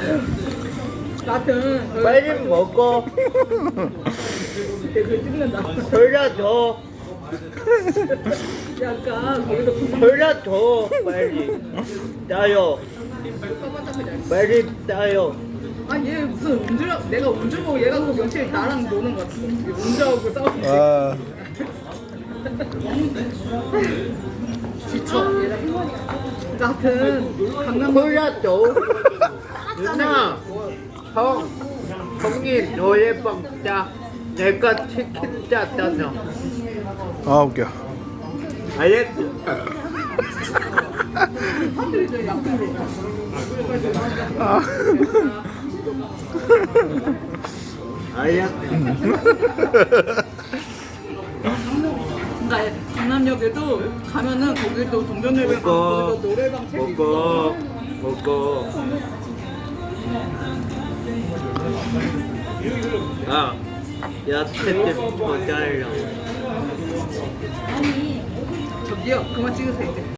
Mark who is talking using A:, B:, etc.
A: 나한테
B: 빨리 먹어.
A: 그 찍는다.
B: 골라줘.
A: 약간 거기서 분명
B: 골라줘. 빨리. 따요. 빨리 따요.
A: 아얘 무슨 운전 내가 운전하고 얘가 그 며칠 나랑 노는 것 같아. 운전하고 싸우고
C: 아,
A: 지쳐. 같은 강남
B: 골라줘. 누나. 형이 노래방 짜. 내가 치킨 짰잖아.
C: 아 웃겨.
B: 알겠지?
A: 사람들이 약간
C: 아.
B: 알겠지?
A: 그러니까 강남역에도 가면은 거기도 동전노래방
B: 먹어.
A: 거기도 노래방 책이
B: 먹어.
A: 있어.
B: 먹어. 아, 야채 좀 모자라.
A: 저기요 그만 찍으세요 이제.